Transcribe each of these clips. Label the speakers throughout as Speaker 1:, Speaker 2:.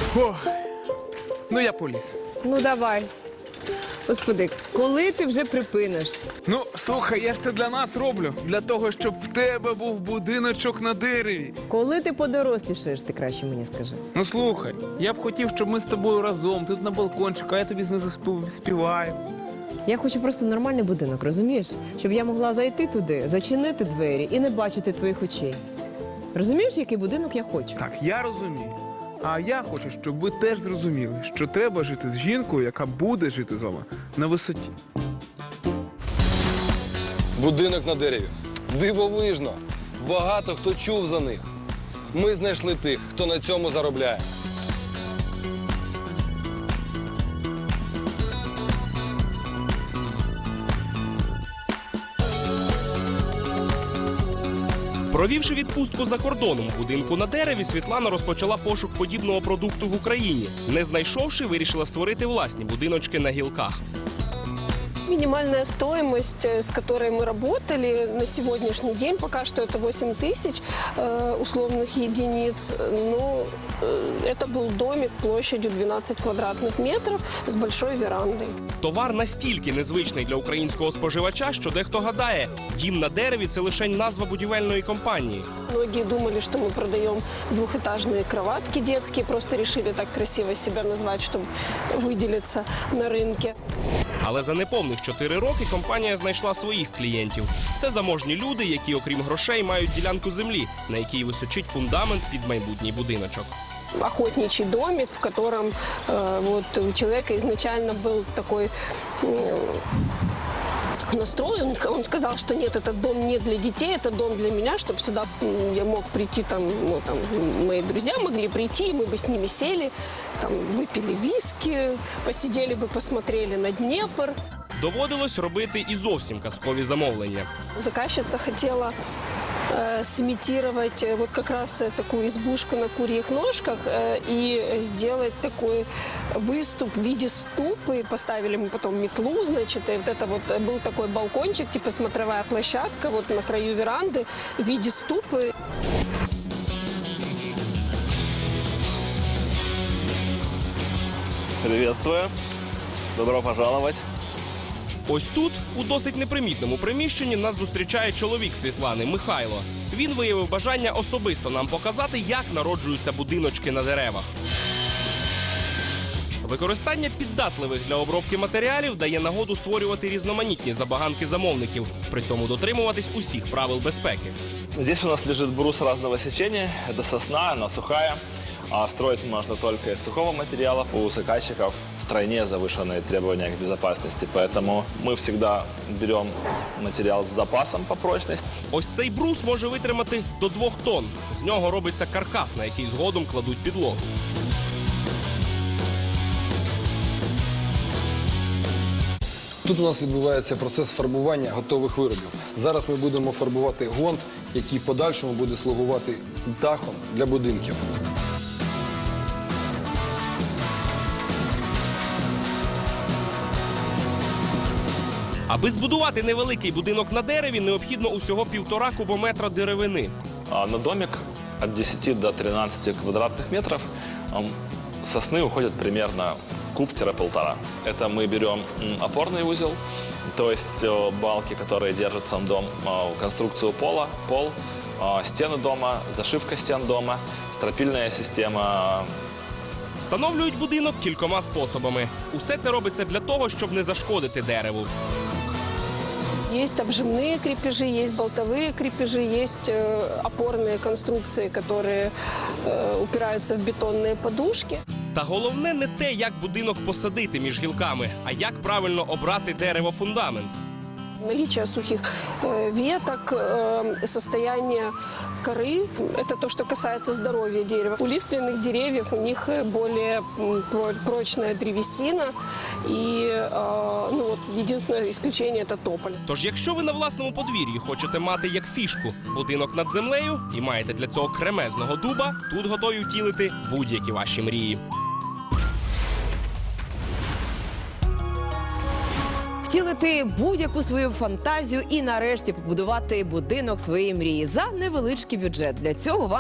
Speaker 1: О, ну я поліз.
Speaker 2: Ну, давай. Господи, коли ти вже припиниш?
Speaker 1: Ну, слухай, я ж це для нас роблю. Для того, щоб в тебе був будиночок на дереві.
Speaker 2: Коли ти подорослішаєш, ти краще мені скажи.
Speaker 1: Ну, слухай, я б хотів, щоб ми з тобою разом, тут на балкончику, а я тобі знизу співаю.
Speaker 2: Я хочу просто нормальний будинок, розумієш? Щоб я могла зайти туди, зачинити двері і не бачити твоїх очей. Розумієш, який будинок я хочу?
Speaker 1: Так, я розумію. А я хочу, щоб ви теж зрозуміли, що треба жити з жінкою, яка буде жити з вами на висоті.
Speaker 3: Будинок на дереві. Дивовижно. Багато хто чув за них. Ми знайшли тих, хто на цьому заробляє.
Speaker 4: Провівши відпустку за кордоном в будинку на дереві, Світлана розпочала пошук подібного продукту в Україні. Не знайшовши, вирішила створити власні будиночки на гілках.
Speaker 5: Минимальная стоимость, с которой мы работали на сегодняшний день, пока что это 8 тысяч условных единиц. Но это был домик площадью 12 квадратных метров с большой верандой.
Speaker 4: Товар настільки незвичний для українського споживача, що дехто гадає, дім на дереві – це лише назва будівельної компанії.
Speaker 5: Многие думали, что мы продаем двухэтажные кроватки детские, просто решили так красиво себя назвать, чтобы выделиться на рынке.
Speaker 4: Але за неповних 4 роки компанія знайшла своїх клієнтів. Це заможні люди, які, окрім грошей, мають ділянку землі, на якій височить фундамент під майбутній будиночок.
Speaker 5: Охотничий домик, в котором у человека изначально был такой настрой. Он сказал, что нет, этот дом не для детей, это дом для меня, чтобы сюда я мог прийти, мои друзья могли прийти, и мы бы с ними сели, выпили виски, посидели бы, посмотрели на Днепр.
Speaker 4: Доводилось робити і зовсім казкові замовлення.
Speaker 5: Заказчица хотела сымитировать вот как раз такую избушку на курьих ножках и сделать такой выступ в виде ступы. Поставили мы потом метлу, значит, и вот это вот был такой балкончик, типа смотровая площадка вот на краю веранды в виде ступы.
Speaker 6: Приветствую. Добро пожаловать.
Speaker 4: Ось тут, у досить непримітному приміщенні, нас зустрічає чоловік Світлани, Михайло. Він виявив бажання особисто нам показати, як народжуються будиночки на деревах. Використання піддатливих для обробки матеріалів дає нагоду створювати різноманітні забаганки замовників, при цьому дотримуватись усіх правил безпеки.
Speaker 6: Здесь у нас лежит брус разного сечения. Это сосна, она сухая. А строить можно только из сухого материала. У заказчиков втройне завышенные требования к безопасности, поэтому мы всегда берем материал с запасом по прочности.
Speaker 4: Ось цей брус може витримати до 2 тонн. З нього робиться каркас, на який згодом кладуть підлогу.
Speaker 3: Тут у нас відбувається процес фарбування готових виробів. Зараз ми будемо фарбувати ґрунт, який в подальшому буде слугувати дахом для будинків.
Speaker 4: Аби збудувати невеликий будинок на дереві, необхідно усього 1,5 кубометра деревини.
Speaker 6: На домик от 10 до 13 квадратных метров сосны уходит примерно куб-1,5. Это мы берем опорный узел, то есть балки, которые держат сам дом, конструкцию пола, пол, стены дома, зашивка стен дома, стропильная система.
Speaker 4: Встановлюють будинок кількома способами. Усе це робиться для того, щоб не зашкодити дереву.
Speaker 5: Есть обжимные крепежи, есть болтовые крепежи, есть опорные конструкции, которые упираются в бетонные подушки.
Speaker 4: Та головне не те, як будинок посадити між гілками, а як правильно обрати дерево-фундамент.
Speaker 5: Наличие сухих веток, состояние коры – это то, что касается здоровья дерева. У лиственных деревьев у них более прочная древесина, и единственное исключение – это тополь.
Speaker 4: Тож, якщо ви на власному подвір'ї хочете мати як фішку будинок над землею і маєте для цього кремезного дуба, тут готові втілити будь-які ваші мрії.
Speaker 2: Втілити будь-яку свою фантазію і нарешті побудувати будинок своєї мрії за невеличкий бюджет. Для цього вам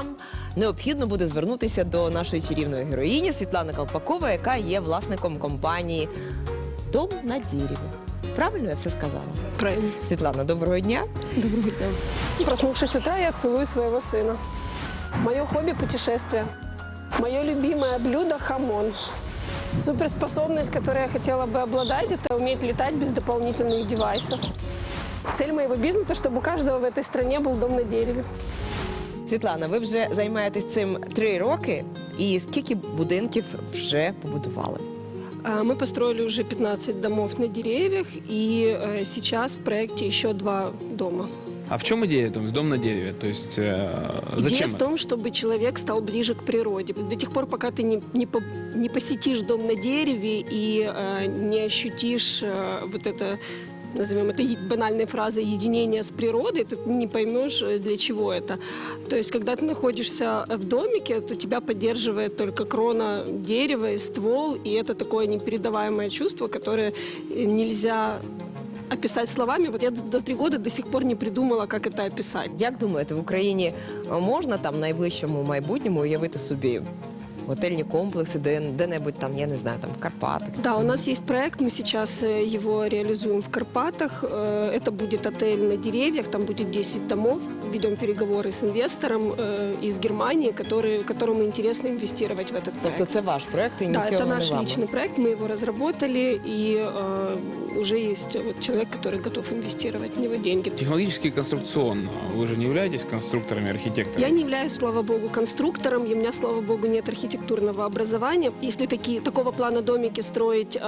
Speaker 2: необхідно буде звернутися до нашої чарівної героїні Світлани Колпакової, яка є власником компанії «Дом на дереві». Правильно я все сказала?
Speaker 5: Правильно.
Speaker 2: Світлана, доброго дня.
Speaker 5: Доброго дня. Проснувшись с утра, я целую своего сына. Мое хобби – путешествия. Мое любимое блюдо – хамон. Суперспособность, которой я хотела бы обладать, это уметь летать без дополнительных девайсов. Цель моего бизнеса, чтобы у каждого в этой стране был дом на дереве.
Speaker 2: Світлана, ви вже займаєтесь цим 3 роки, і скільки будинків вже побудували?
Speaker 5: Мы построили уже 15 домов на деревьях, и сейчас в проекте еще 2 дома.
Speaker 1: А в чем идея? То есть дом на дереве? То есть
Speaker 5: Идея
Speaker 1: зачем
Speaker 5: в
Speaker 1: это?
Speaker 5: том, чтобы человек стал ближе к природе. До тех пор, пока ты не посетишь дом на дереве и не ощутишь вот это, назовем это банальной фразой, единение с природой, ты не поймешь, для чего это. То есть, когда ты находишься в домике, то тебя поддерживает только крона дерева и ствол, и это такое непередаваемое чувство, которое нельзя описать словами. Вот я до 3 года до сих пор не придумала, как это описать.
Speaker 2: Як думаєте, в Україні можна там в найближчому майбутньому уявити собі готельні комплекси, де-небудь там, я не знаю, там в Карпатах?
Speaker 5: Да, у нас есть проект, мы сейчас его реализуем в Карпатах. Это будет отель на деревьях, там будет 10 домов. Ведем переговоры с инвестором из Германии, которому интересно инвестировать в этот проект.
Speaker 2: Тобто це ваш проект,
Speaker 5: Да, это
Speaker 2: ініційований
Speaker 5: наш
Speaker 2: вами?
Speaker 5: личный проект, мы его разработали, и уже есть вот человек, который готов инвестировать в него деньги.
Speaker 1: Технологически и конструкционно. Вы же не являетесь конструкторами, архитекторами?
Speaker 5: Я не являюсь, слава богу, конструктором, и у меня, слава богу, нет архитектурного образования. Если такого плана домики строить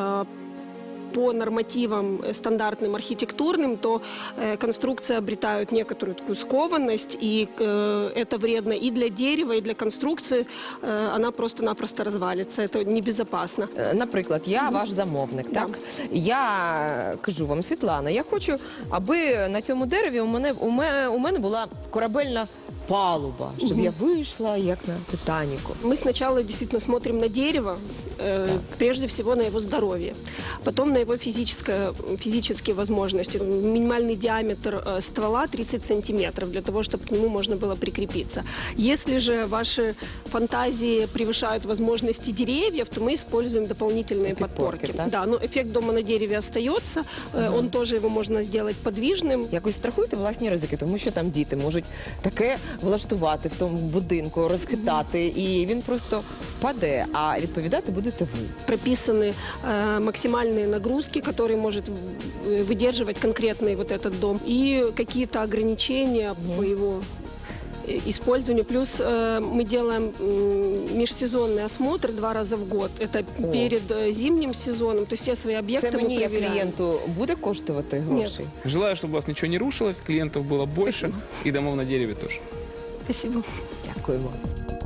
Speaker 5: по нормативам стандартным архитектурным, то конструкции обретают некоторую такую скованность, и это вредно и для дерева, и для конструкции. Она просто-напросто развалится. Это небезопасно.
Speaker 2: Наприклад, я ваш замовник,
Speaker 5: Да.
Speaker 2: так? Я кажу вам, Світлана, я хочу, аби на цьому дереві у мене була корабельна палуба, щоб я вийшла, як на Титаніку.
Speaker 5: Мы сначала действительно смотрим на дерево, прежде всего на его здоровье, потом на его физические возможности. Минимальный диаметр ствола 30 сантиметров, для того, чтобы к нему можно было прикрепиться. Если же ваши фантазии превышают возможности деревьев, то мы используем дополнительные
Speaker 2: Подпорки,
Speaker 5: подпорки.
Speaker 2: так?
Speaker 5: Да, но эффект дома на дереве остается, он тоже его можно сделать подвижным.
Speaker 2: Якось страхуєте власні ризики, тому що там діти можуть таке влаштувати в тому будинку, розхитати, і він просто впаде, а відповідати будете ви.
Speaker 5: Прописаны максимальные нагрузки, которые может выдерживать конкретный вот этот дом, и какие-то ограничения по его использованию. Плюс мы делаем межсезонный осмотр 2 раза в год. Это перед зимним сезоном. То есть все свои объекты
Speaker 2: Це
Speaker 5: мы
Speaker 2: мені, як
Speaker 5: проверяем.
Speaker 2: клієнту, буде коштувати грошей?
Speaker 1: Желаю, чтобы у вас ничего не рушилось, клиентов было больше и домов на дереве тоже.
Speaker 5: Спасибо.
Speaker 2: Дякуємо.